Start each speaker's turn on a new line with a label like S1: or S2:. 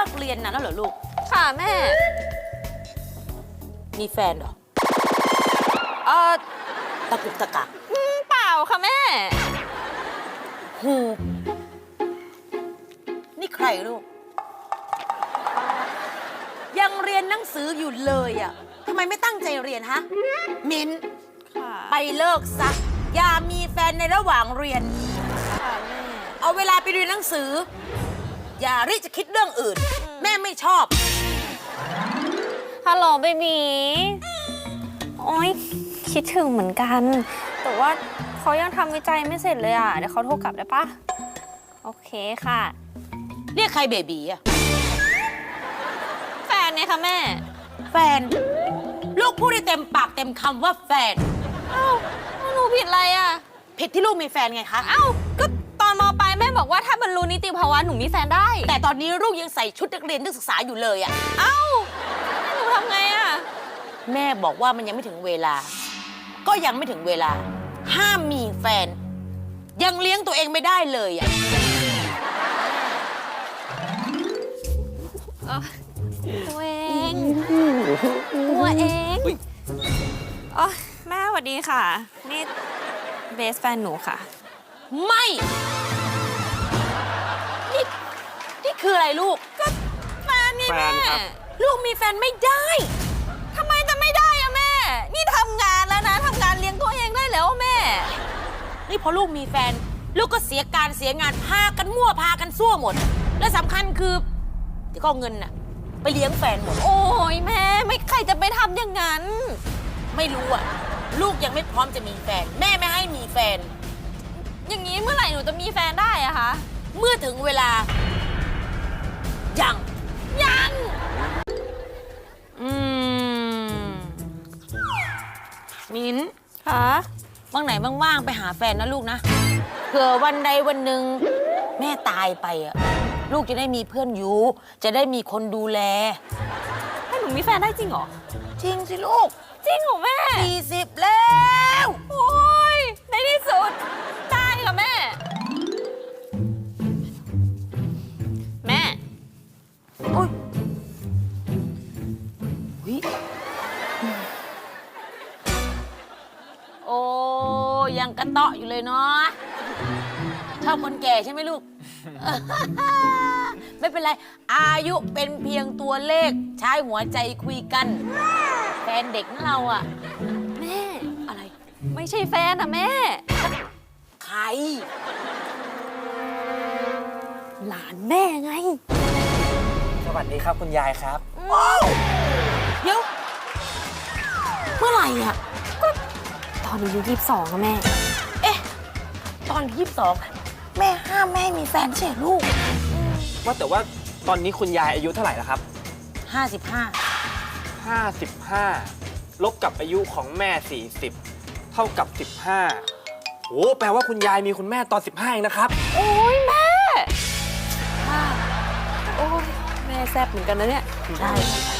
S1: กเรียนนะแล้วเหรอลูก
S2: ค่ะแม่
S1: มีแฟนเหรอ
S2: อ
S1: ตะกุกตะกัก
S2: เปล่าค่ะแม่
S1: ฮูนี่ใครลูกยังเรียนหนังสืออยู่เลยอ่ะทำไมไม่ตั้งใจเรียนฮะมิ้นไปเลิกซะอย่ามีแฟนในระหว่างเรียน
S2: ค่ะแม่
S1: เอาเวลาไปเรียนหนังสืออย่ารีบจะคิดเรื่องอื่นแม่ไม่ชอบ
S2: ฮัลโหลเบบีโอ๊ยคิดถึงเหมือนกันแต่ว่าเขายังทำวิจัยไม่เสร็จเลยอ่ะเดี๋ยวเขาโทรกลับได้ปะโอเคค่ะ
S1: เรียกใครเบบีอะ
S2: แฟนเนี่ยค่ะแม่
S1: แฟนลูกพูดได้เต็มปากเต็มคำว่าแฟน
S2: เอ้าหนูผิดอะไรอ่ะ
S1: ผิดที่ลูกมีแฟนไงคะ
S2: เอ้าก็ตอนม.ปลายแม่บอกว่าถ้าบรรลุนิติภาวะหนูมีแฟนได้
S1: แต่ตอนนี้ลูกยังใส่ชุดนักเรียนนักศึกษาอยู่เลยอะ
S2: เอ้าหนูทำไงอะ
S1: แม่บอกว่ามันยังไม่ถึงเวลาก็ยังไม่ถึงเวลาห้ามมีแฟนยังเลี้ยงตัวเองไม่ได้เลยอะ
S2: ตัวเองอ๋อแม่สวัสดีค่ะนี่เบสแฟนหนูค่ะ
S1: ไม่นี่คืออะไรลูก
S2: ก็แฟนนี่แม่
S1: ลูกมีแฟนไม่ได้
S2: ทำไมจะไม่ได้อะแม่นี่ทำงานแล้วนะทำงานเลี้ยงตัวเองได้แล้วแม่
S1: นี่พอลูกมีแฟนลูกก็เสียการเสียงานพากันมั่วพากันซั่วหมดและสำคัญคือที่ก็เอาเงินน่ะไปเลี้ยงแฟนหมด
S2: โอ้ยแม่ไม่ใครจะไปทำอย่างนั้น
S1: ไม่รู้อะลูกยังไม่พร้อมจะมีแฟนแม่ไม่ให้มีแฟน
S2: อย่างนี้เมื่อไหร่หนูจะมีแฟนได้อะคะ
S1: เมื่อถึงเวลายังมิ้น
S2: คะ
S1: ว่างไหนว่างๆไปหาแฟนนะลูกนะเผื่อวันใดวันหนึ่งแม่ตายไปอะลูกจะได้มีเพื่อนอยู่จะได้มีคนดูแล
S2: ให้หนูมีแฟนได้จริงเหรอ
S1: จริงสิลูก
S2: จริงเหรอแม่
S1: 40แล้ว
S2: โอ้ยในที่สุดได้ค่ะแม่
S1: โอ้ยโอ้ยังกระเตาะอยู่เลยเนาะชอบคนแก่ใช่ไหมลูก ไม่เป็นไรอายุเป็นเพียงตัวเลขใช้หัวใจคุยกันแฟนเด็กนะเราอะ
S2: แม่
S1: อะไร
S2: ไม่ใช่แฟนอะแม่
S1: ใคร
S2: หลานแม่ไง
S3: สวัสดีครับคุณยายครับ
S1: เดี๋ยวเมื่อไหร่อ่ะ
S2: ก็ตอนอายุ22อะแม่
S1: เอ๊ะตอน22แม่ห้ามแม่มีแฟนใช่ลูก
S3: ว่าแต่ว่าตอนนี้คุณยายอายุเท่าไหร่แล้วครับ55ลบกับอายุของแม่40เท่ากับ15โอ้แปลว่าคุณยายมีคุณแม่ตอน15เองนะครับ
S2: โอ้ยแม่โอ้ยแม่แซ่บเหมือนกันนะเนี่ย
S1: ใช่